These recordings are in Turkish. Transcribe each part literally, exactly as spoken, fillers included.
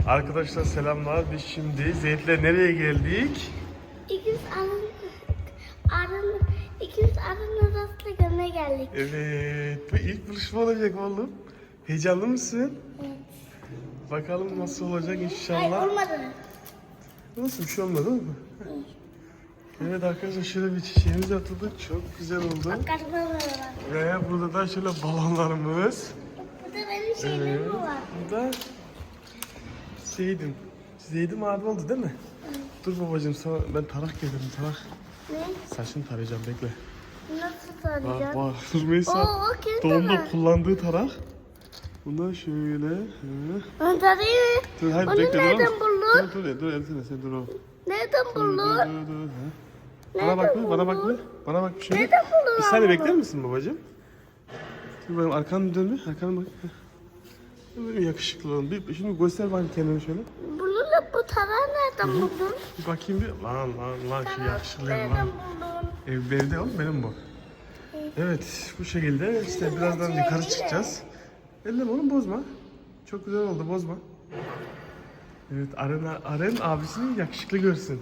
Arkadaşlar selamlar. Biz şimdi Zeyt'le nereye geldik? İkiz arın, arın, ikiz arın odasına görmeye geldik. Evet. Bu ilk buluşma olacak oğlum. Heyecanlı mısın? Evet. Bakalım nasıl olacak Hayır inşallah. olmadı. Nasıl bir şey olmadı mı? Evet arkadaşlar şöyle bir çiçeğimiz atıldı. Çok güzel oldu. Kaçma var. Ve burada da şöyle balonlarımız. Burada benim şeylerim Evet. var. Burada Zeydim. Zeydim abi oldu değil mi? Evet. Dur babacığım sana ben tarak getirdim tarak. Ne? Saçını tarayacağım bekle. Nasıl Bak saracağım? bak Rümeysa Oo, o kim doğumda tarak? kullandığı tarak. Bundan şöyle. Hı. Onu tarayayım. Dur hadi Onu bekle. nereden dur. buldun? Dur dur dur Elsene sen dur oğlum. Nereden Dur dur buldun? dur dur. Hı. Bana bak bir, bana bak bir. Bana bak bir şöyle. Nereden buldun Bir saniye bunu? bekler misin babacığım? Dur bakayım arkanı dön bir. Arkanı bak. Böyle yakışıklı oğlum. Bir, şimdi göster bana kendini şöyle. Bununla bu tarağı nereden buldun? Bir bakayım bir. Lan lan lan şu Tarağı yakışıklıya nereden lan. buldun? Ev evde oğlum benim bu. Evet bu şekilde işte birazdan yukarı çıkacağız. Elleme oğlum bozma. Çok güzel oldu bozma. Evet Aren, Aren abisini yakışıklı görsün.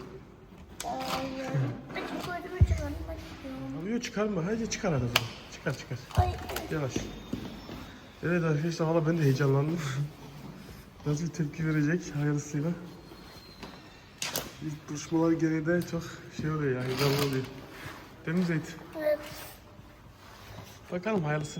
Açık koydum çıkarım. Alıyor çıkarma hadi çıkar hadi o zaman. Çıkar çıkar. Ay. Yavaş. Evet arkadaşlar valla ben de heyecanlandım. Nasıl bir tepki verecek hayırlısıyla. İlk buluşmalar genelde çok şey oluyor ya heyecanlı oluyor. Değil mi Zeyt? Evet. Bakalım hayırlısı.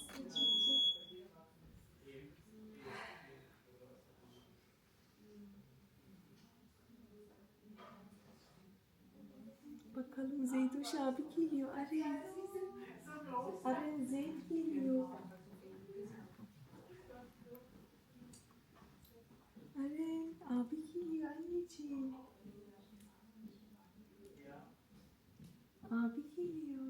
Bakalım Zeyduş abi geliyor. Aren. Aren Zeyd geliyor. Aren abi geliyor anneciğim. Abi geliyor.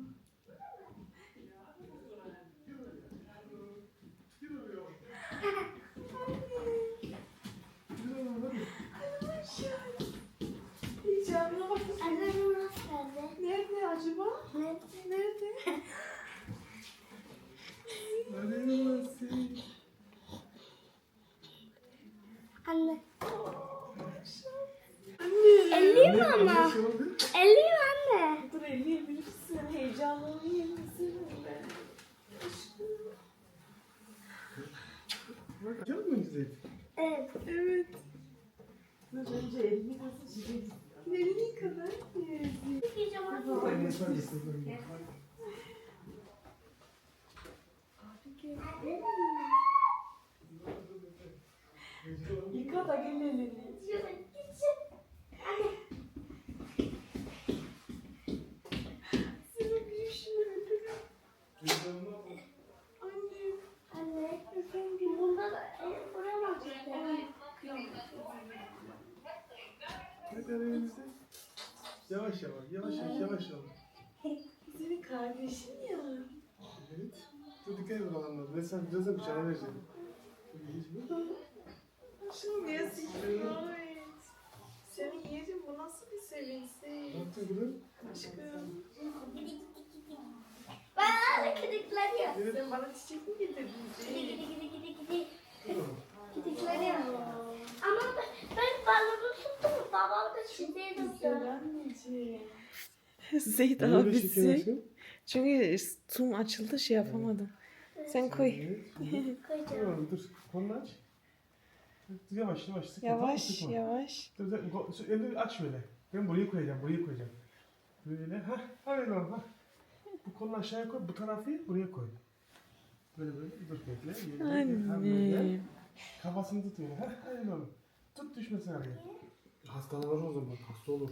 Heyecanına bak. Annem nasıl nerede? Nerede acaba? Nerede? Nerede? Anne. Anne. Elliyim mi ama? Elliyim anne. Dur elleyebilirsin. Heyecanlanayım misin ben? Aşkım. Bakacak mıyız Zeyt? Evet. Evet. Dur önce elini nasıl çizeyim? Elini yıka ben. Yıkayacağım anne. Abi gel. Yıka da gel elini. Anne. Seni bir düşünmedim. Annem. Anne. Bunda da e, buraya mı açacak? Hadi elimizde. Yavaş yavaş yavaş yavaş yavaş yavaş. Senin kardeşin ya. Evet. Dur dikkat et olanlar. Ben sana birazdan bıçağı vereceğim. Aşkım yazık. Evet. Seni yerim bu nasıl bir sevinçse. Ne yaptın gülüm? Aşkım. Bana kedikleniyor. Sen bana çiçek mi getirdin? Gidi gidi gidi gidi gidi. Kedikleniyor. Ama ben, ben balonu tuttum. Babam da çizeyi tuttu. Güzel anneciğim. Zeyd Böyle abisi. şeker Çünkü tüm açıldı şey yapamadım. Sen koy. Evet. Koyacağım. Tamam dur. Kolunu aç. Dur, yavaş yavaş sıkma. tamam, Yavaş sıkma. yavaş. Dur, dur, go- elini aç şöyle. Ben buraya koyacağım, buraya koyacağım. Böyle, ha, ha öyle ol, ha. Bu kolunu aşağıya koy, bu tarafı buraya koy. Böyle böyle, dur bekle. Böyle, ha, böyle. Anne. Kafasını tut öyle, ha, öyle ol. Tut düşmesin araya. Hastalanır o zaman, hasta olur.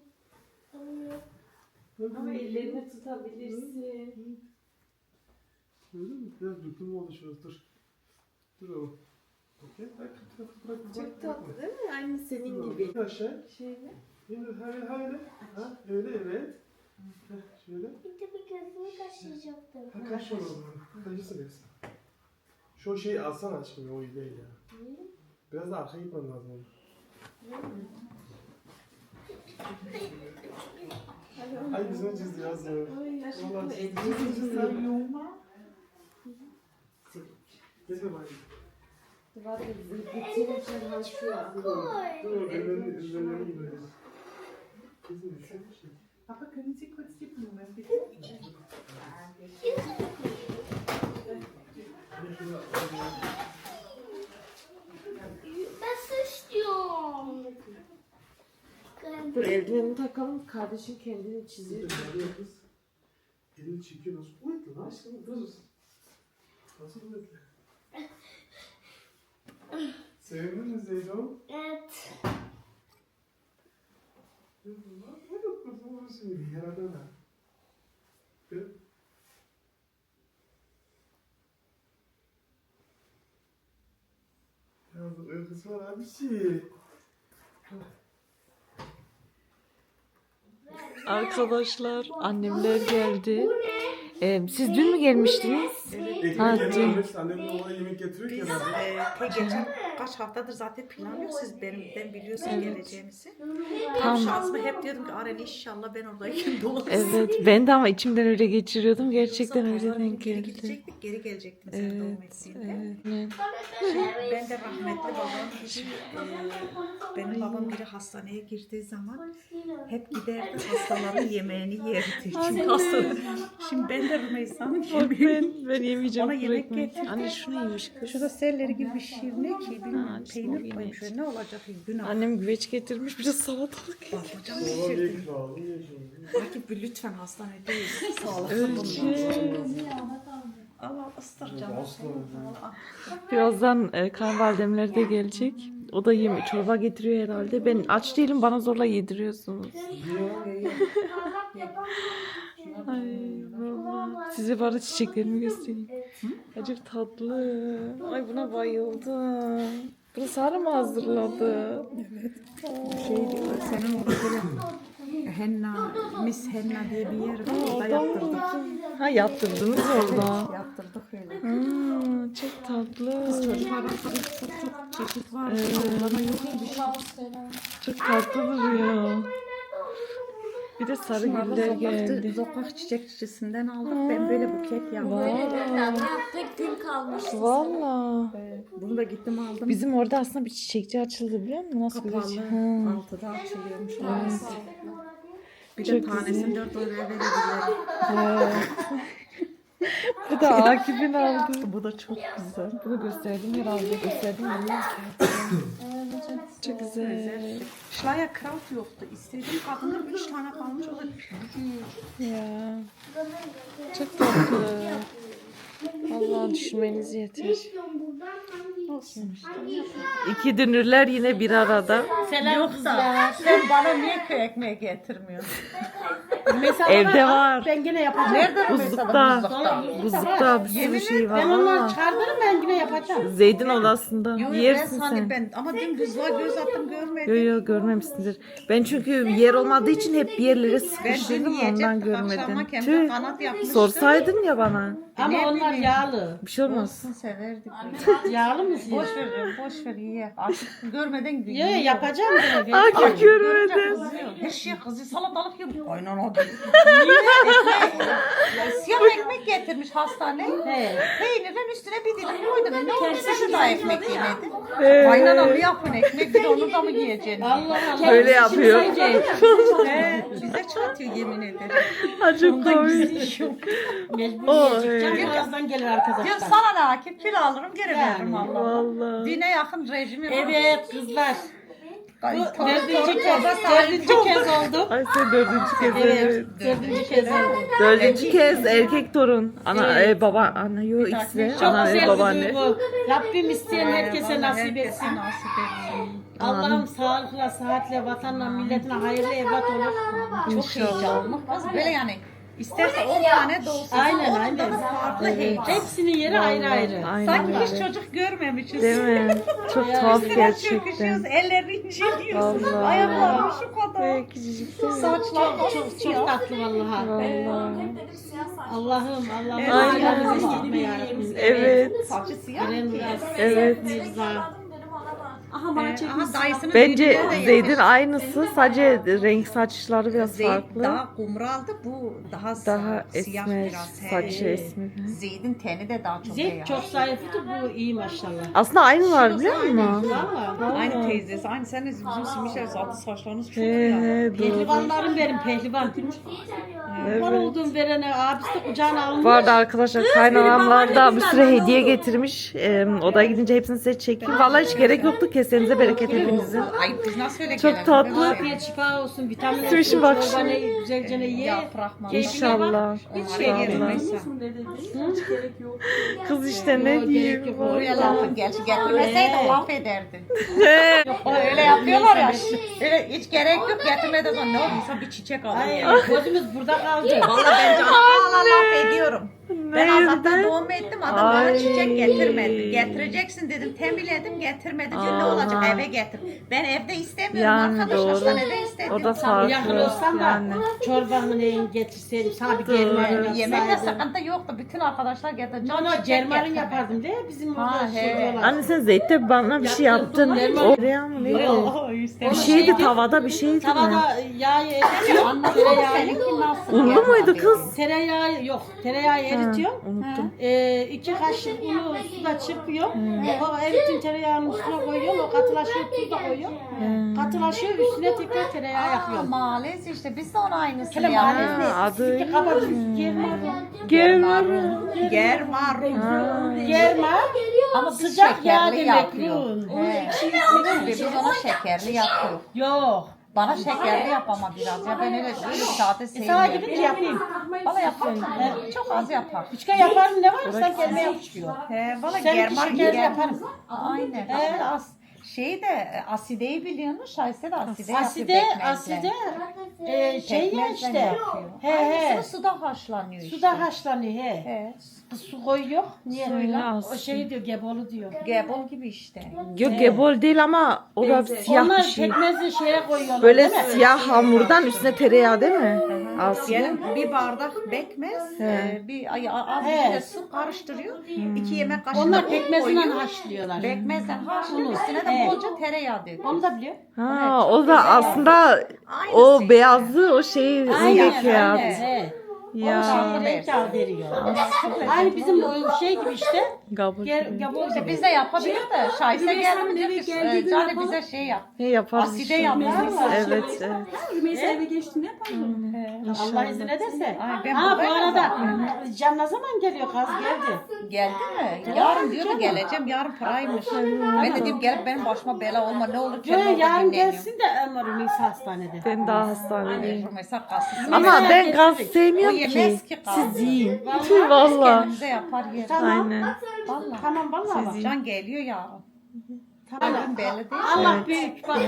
Ama ellerini tutabilirsin. Öyle mi? Biraz döküm oldu şurası, dur. Dur oğlum. Okey, bak, bırak, bırak, bırak. Çok tatlı değil mi? Aynı senin Dur, gibi. aşağı. Şöyle. İndir, ha öyle, ha öyle. Ha, öyle, evet. Heh, şöyle. Bir de bir gözümü kaşıyacaktım. Ha kaç var orada? Kaçısı biraz. Şu şeyi alsana aşkım, o iyi değil ya. Biraz da arkaya gitmen lazım onu. Ay yüzüne çizdi yazdı. Ay aşkım Vallahi elini güzel yoğurma. Gezme bari. Dur, ellerini, ellerini böyle. Kesin düşürmüş. Aber können Sie kurz die Blumen bitte? Ben istiyorum. Dur eldivenini takalım. Kardeşim kendini çiziyor. Elini çekiyor, nasıl kuvvetli lan aşkım, dur. Nasıl kuvvetli? Sevindin mi Zeydo? Evet. Hadi kuzum şimdi yaradana. Yazık uykusu var abi şey. Arkadaşlar annemler geldi. Ee, siz dün mü gelmiştiniz? Ekmek Ha, yemeği dün. almış, annemle baba yemek getiriyor ki Biz herhalde. e, te geçen kaç haftadır zaten planlıyoruz. Siz benimden biliyorsunuz geleceğimizi. Tam. Tam şansıma hep diyordum ki Aren inşallah ben oradayken doğursun. Evet ben de ama içimden öyle geçiriyordum. Gerçekten öyle denk Geri geldi. gidecektik, geri gelecektim sen doğum Evet, ettiğinde. evet. Ben de rahmetli babam hiç, e, benim babam biri hastaneye girdiği zaman hep giderdi hastaların yemeğini yerdi. Çünkü hastalar. Şimdi ben de Rümeysa'nın Bak yemeğini. ben, ben yemeyeceğim Ona kuru yemek ekmek. getir. Anne şunu yemiş kız. Şurada selleri gibi bir şirne ki Ha, bilmiyorum işte o peynir yine koymuş. işte. Ne olacak günah. Annem güveç getirmiş bir de salatalık. Bak hocam Baba şişirdi. niye kilo aldın, niye şimdi? Akif bir lütfen hastanedeyiz. Sağlıklı Evet. bunlar. Allah ısır canım. Birazdan e, kayınvalidemler de gelecek. O da yeme çorba getiriyor herhalde. Ben aç değilim bana zorla yediriyorsunuz. Ay vallahi. Size bari çiçeklerimi göstereyim. Acık tatlı. Ay buna bayıldım. Bunu Sara mı hazırladı? Şey diyor, senin orada böyle henna, Miss Henna diye bir yer var. Orada yaptırdık. Ha yaptırdınız orada. Yaptırdık öyle. Hmm, çok tatlı. Çocuklara tabii çok çok çeşit var. Evet. Onlara yok bir şey. Çok tatlı duruyor. Bir de sarı güller geldi. Sokak çiçekçisinden aldık. Ben böyle buket yaptım. Tek gün kalmış. Valla. Evet, bunu da gittim aldım. Bizim orada aslında bir çiçekçi açıldı biliyor musun? Nasıl bir Kapalı. çiçek? Ha. Altıda açılıyormuş. orası. Bir de Çok tanesini dört euroya verebilirler. Evet. Bu da Akif'in aldı. Bu da çok güzel. Bunu gösterdim herhalde. Gösterdim mi? Çok güzel. Schleier Kraut yoktu. İstediğim kadınlar üç tane kalmış. O da Ya. Çok tatlı. Allah düşünmeniz yeter. olsun. İki dünürler yine bir arada. Yoksa sen bana niye köy ekmeği getirmiyorsun? Evde var. Ben yine yapacağım. Nerede Buzlukta. Buzlukta bir sürü şey var. Ben onları Valla. çıkartırım ben yine yapacağım. Zeydin odasında. Yo, yo, ben Yersin hani sen. ben ama dün buzluğa göz attım görmedim. Yo yo görmemişsindir. Ben çünkü yer olmadığı için hep bir yerlere Ben dün sıkıştırdım ondan yiyecektim görmedim. akşama hem de Tüh. kanat yapmıştım. Sorsaydın ya bana. Ama Ne onlar bileyim. yağlı. Bir şey olmaz. Olsun severdik. Yağlı mı? Boş ver, boş ver ye. Artık görmeden Yo yiyor. yapacağım bunu. Akif görmedi. Her şey kızı salatalık yiyor. Aynen o değil. Siyah ekmek getirmiş hastaneye. He. Peynirin üstüne bir dilim koydum. Ne oldu sen daha ekmek yemedin? Ee, Kaynanam yapın ekmek bir de onu da mı yiyeceksin? Allah Allah. Öyle yapıyor. He, bize çatıyor yemin ederim. Acık komik. Mecbur Oh, yiyeceğim. evet. Birazdan gelir Diyor arkadaşlar. sana ne Akif kilo alırım geri Yani. veririm Allah. Valla. Dine yakın rejimi var. Evet kızlar. Ay, Bu torun- dördüncü torun kez, torba sahip dördüncü oldum. kez oldu. Ay sen dördüncü kez evet. Evet, dördüncü kez oldu. Dördüncü kez erkek torun. Ana Evet. e, baba ana yo ikisi de. Çok Ana güzel e, bir babaanne. duygu. Rabbim isteyen herkese Vallahi nasip herkese etsin. nasip etsin. Allah'ım sağlıkla, sıhhatle, vatanla, milletine hayırlı evlat olur. Çok heyecanlı. Kız böyle yani isterse on tane doğsun. Aynen, on aynen. tane farklı Evet. heyecan. Hepsinin yeri ayrı ayrı. Aynen Sanki öyle. hiç çocuk görmemişiz. Değil mi? Çok Ya, tuhaf Biraz gerçekten. çöküşüyoruz, ellerini inceliyoruz. Vallahi. Ayakları şu kadar. Ve küçücük değil mi? Saçlar Çok çok çok tatlı vallahi. Valla. Allah'ım Allah'ım. Aynen. Allah'ım, yarabbim. Evet. Saçı siyah Eren ki. Murat, Evet. Mirza. Aha bana çekmiş. Aha dayısının Bence düğününe de Zeyd'in yakışır. aynısı. Sadece renk saçları biraz Zeyd farklı. daha kumraldı, bu daha, Daha siyah esmer, biraz. He. saçı esmer. Zeyd'in teni de daha çok Zeyt beyaz. çok zayıftı, bu iyi maşallah. Aslında aynı var biliyor musun? Valla. Aynı teyzesi, aynı sen de bizim simişler zaten saçlarınız çok He ya. he doğru. Pehlivanlarım benim pehlivan. Var olduğum verene abisi de kucağına almış. Bu arada arkadaşlar kaynanamlar da bir sürü hediye getirmiş. Ee, odaya gidince hepsini size çekeyim. Vallahi hiç gerek yoktu. Kesenize bereket hepinizin. Ay biz nasıl öyle Çok gelelim, tatlı. değil mi? Afiyet şifa olsun, vitamin olsun. Sürüşün bak çorba şimdi. ne güzelce ne ye. Yaprak mı? İnşallah. Hiç şey yerim İnşallah. Rümeysa. Kız işte ne Yok, diyeyim. gerek yok. Oraya lafın gerçi getirmeseydi Ee. laf ederdi. O öyle yapıyorlar ya. Öyle hiç gerek yok getirmeden sonra ne olduysa bir çiçek alın Ay, yani. gözümüz burada kaldı. Valla ben canımla laf ediyorum. Ben Nerede? Azat'tan doğum ettim adam bana Ay. çiçek getirmedi. Getireceksin dedim tembihledim getirmedi diyor ne Aha. olacak eve getir. Ben evde istemiyorum Yani arkadaşlar doğru. ben evde istemiyorum. O da farklı. Yakın olsam da Yani. çorbamı neyin getirseydim, sana bir germerin Yemekte yapsaydım. sıkıntı yoktu bütün arkadaşlar getirdi. No no germerin yapardım de bizim Ha, orada he. şey diyorlar. Anne sen Zeyt'te bana bir şey yaptın. O tereyağı mı neydi? Bir şeydi tavada bir şeydi mi? Tavada yağı eritiyor. Tereyağı, Seninki nasıl? Unlu muydu kız? tereyağı yok. Tereyağı eritiyor. Unuttum. Ee, iki kaşık unu suda çırpıyor. O eritin tereyağının üstüne koyuyor. O katılaşıyor, tuz da koyuyor. Katılaşıyor, üstüne tekrar tereyağı yapıyor. Maalesef işte biz de ona aynısını Hele yaptık. maalesef ne? adı Sizde öyle kabar germarun. Germarun. Germarun. Germar Ama biz sıcak yağ şekerli demek yapıyor. run. He. Biz ona şekerli yapıyoruz. Yok. Bana şekerli yap ama biraz ya ben öyle öyle sade E sana sevmiyorum. gidince yapayım. Bana yaparsın. Çok az yapar. Üçgen yaparım ne var? Sen kendine yapışıyor. He, valla Sen germar şeker ger- yaparım. Aynen. He. As şeyi de asideyi biliyor musun? Şahise de aside yapıyor Aside, pekmezle. aside e, şey ya Pekmezle işte. yapıyor. He he. Aynısını suda haşlanıyor işte. Suda haşlanıyor he. He. Su koyuyor. Niye Suyla öyle? az. O şey diyor gebolu diyor. Gebol gibi işte. Yok gebol değil ama o da siyah Onlar bir şey. pekmezi şeye koyuyorlar. Böyle değil mi? siyah hamurdan üstüne tereyağı değil mi? Aslında. Diyelim bir bardak bekmez, e, bir ay, az bir He. şey su karıştırıyor. iki yemek kaşığı Onlar un pekmezinden koyuyor. haşlıyorlar. Bekmezden haşlıyor. Üstüne de He. bolca tereyağı döküyor. Onu da biliyor. Ha, o da aslında o Aynısı. beyazı o şeyi siyah kağıt. He. Ya. Ya. Renk al veriyor. Aynı bizim o şey gibi işte. Gabur. Ger, gabol İşte gibi. biz de yapabiliyor da Şahise geldi diyor ki e, Cani bize şey yap. Ne yaparız Aside işte. yapıyoruz. Evet, evet. Rümeysa eve geçtiğinde yapalım. Allah izin ederse. Ay, ben Ha bu buradayım arada zaten. Can ne zaman geliyor? Kaz geldi. Geldi mi? Yarın diyordu geleceğim. Yarın paraymış. Ben de dedim gelip benim başıma bela olma ne olur Yo, kendime orada yarın dinleniyorum. gelsin de Ömer Rümeysa hastanede. Ben daha hastanedeyim. Mesela kastısı. Ama ben gaz O sevmiyorum yemez ki. ki gaz. Siz yiyin. Vallahi Valla. Kendimize yapar yer. Tamam. Aynen. Vallahi. Tamam vallahi bak. Can geliyor yarın. Tamam. Bugün belli değil. Allah büyük bak.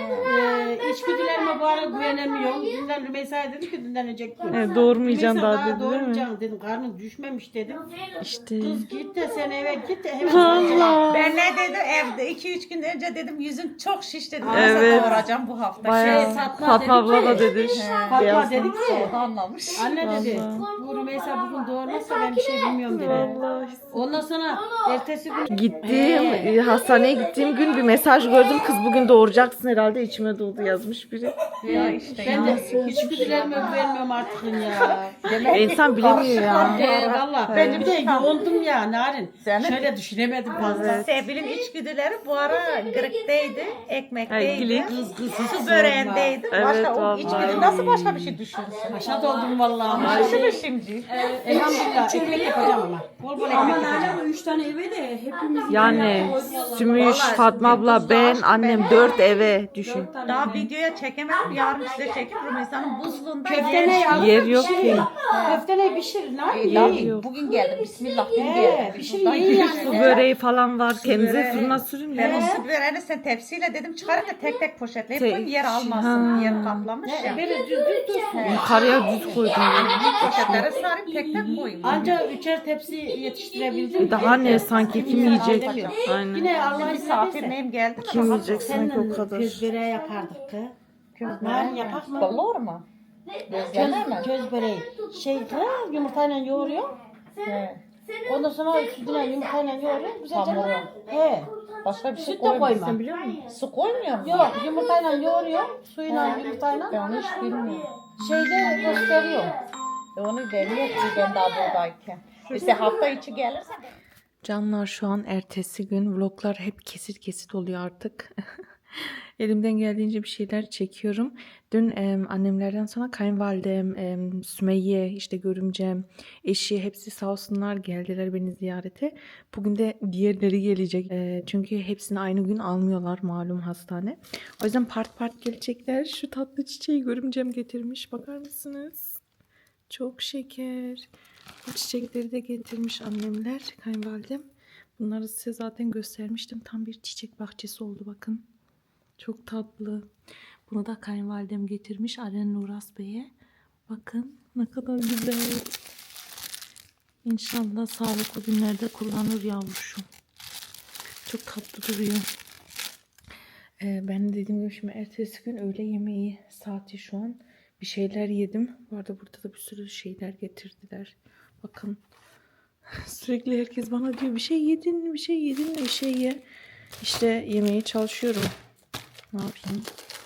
Ee, içgüdülerime bu ara güvenemiyorum. Dünden Rümeysa'ya dedim ki dünden önce gittim. Evet, doğurmayacağım Rümeysa, daha dedi, değil mi? doğurmayacağım dedim. Karnın düşmemiş dedim. İşte. Kız git de sen eve git de hemen. Valla. Ben ne dedim evde iki üç gün önce dedim yüzün çok şiş dedim. Evet. Evet. Doğuracağım bu hafta. Bayağı. Şey, Fatma Fatma dedi abla da ki- dedi. Fatma Beyaz. dedi ki O da anlamış. anne dedi bu Rümeysa bugün doğurmazsa ben bir şey bilmiyorum dedi. Vallahi. Ondan sonra ertesi gün Gittiğim e, hastaneye gittiğim gün bir mesaj gördüm. Kız bugün doğuracaksın herhalde içime doğdu yazmış biri. Ya işte ben de içgüdülerime güvenmiyorum artık ya. İnsan bilemiyor ya. Ee, valla ben bir de yoğundum ya Narin. Sen- Şöyle düşünemedim fazla. Sevgilin içgüdüleri bu ara grikteydi, ekmekteydi, Ay, Kız kız hiç su böreğindeydi. Evet, Başka o vallahi. içgüdü nasıl başka bir şey düşünsün? Haşat oldum vallahi. Düşünün şimdi. Elhamdülillah ekmek yapacağım ama. Bol bol ekmek Ama yapacağım. nerede üç tane eve de hepimiz Yani Sümüş, Fatma abla, ben, annem dört eve düşün. Daha videoya çekemedim. Yarın size çekip Rümeysa'nın buzluğunda Köfte ne ya? Yer yok ki. Köfte ne pişir Narin? Yer Yiyin. yok. Bugün geldi. Bismillah dün He, geldi. pişirin, Buradan yiyin giriş yani. Su yok. böreği falan var. Kendinize böreği. fırına sürün Ben ya. o su böreğini sen tepsiyle dedim çıkarıp da tek tek poşetleyip Tek- koyun yer almasın. Ha. Yer kaplamış ya. Böyle düz düz düz. Yukarıya düz koydum. Poşetlere sarıp tek tek koyun. Anca üçer tepsi yetiştirebildim. Daha ne sanki kim yiyecek? Demiyor. Aynen. Yine Allah izin Misafir verirse. neyim geldi. Kim yiyecek sanki o Seninle kadar. köz böreği yapardık kız. Narin yapak mı? Olur mu? Gözleme mi? Köz, köz böreği. Şey kız yumurtayla yoğuruyor. He. Ondan sonra üstüne yumurtayla yoğuruyor. Güzelce. Hamuru. He. Başka bir şey Süt de koyma. koymuyorsun biliyor musun? Su koymuyor musun? Yok yumurtayla yoğuruyor. Suyla yumurtayla. Ben onu hiç bilmiyorum. Şeyde gösteriyor. E onu deniyor ki ben daha buradayken. İşte hafta içi gelirse. Canlar şu an ertesi gün vloglar hep kesit kesit oluyor artık. Elimden geldiğince bir şeyler çekiyorum. Dün em, annemlerden sonra kayınvalidem, em, Sümeyye, işte görümcem, eşi hepsi sağ olsunlar geldiler beni ziyarete. Bugün de diğerleri gelecek. E, çünkü hepsini aynı gün almıyorlar malum hastane. O yüzden part part gelecekler. Şu tatlı çiçeği görümcem getirmiş. Bakar mısınız? Çok şeker. Bu çiçekleri de getirmiş annemler, kayınvalidem. Bunları size zaten göstermiştim. Tam bir çiçek bahçesi oldu bakın. Çok tatlı. Bunu da kayınvalidem getirmiş Aren Nuras Bey'e. Bakın ne kadar güzel. İnşallah sağlıklı günlerde kullanır yavruşum. Çok tatlı duruyor. Ee, ben de dediğim gibi şimdi ertesi gün öğle yemeği saati şu an. Bir şeyler yedim. Bu arada burada da bir sürü şeyler getirdiler. Bakın. Sürekli herkes bana diyor bir şey yedin mi, bir şey yedin mi, bir şey ye. İşte yemeye çalışıyorum. Ne yapayım?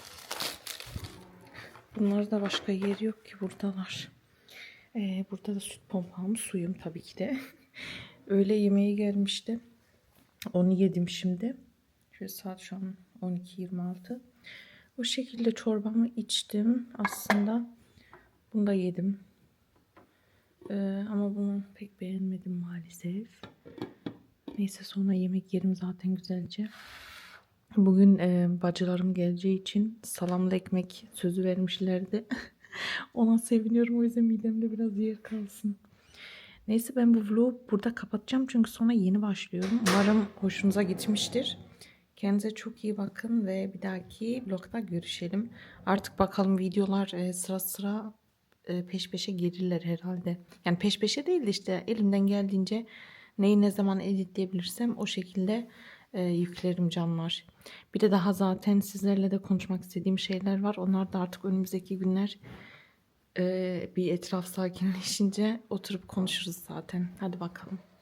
Bunlar da başka yer yok ki buradalar. Ee, burada da süt pompam, suyum tabii ki de. Öğle yemeği gelmişti. Onu yedim şimdi. Şöyle saat şu an on iki yirmi altı. O şekilde çorbamı içtim aslında. Bunu da yedim. Ee, ama bunu pek beğenmedim maalesef. Neyse sonra yemek yerim zaten güzelce. Bugün e, bacılarım geleceği için salamlı ekmek sözü vermişlerdi. Ona seviniyorum, o yüzden midemde biraz yer kalsın. Neyse ben bu vlogu burada kapatacağım çünkü sonra yeni başlıyorum. Umarım hoşunuza gitmiştir. Kendinize çok iyi bakın ve bir dahaki vlogda görüşelim. Artık bakalım videolar e, sıra sıra e, peş peşe gelirler herhalde. Yani peş peşe değil de işte elimden geldiğince neyi ne zaman editleyebilirsem o şekilde e, yüklerim canlar. Bir de daha zaten sizlerle de konuşmak istediğim şeyler var. Onlar da artık önümüzdeki günler e, bir etraf sakinleşince oturup konuşuruz zaten. Hadi bakalım.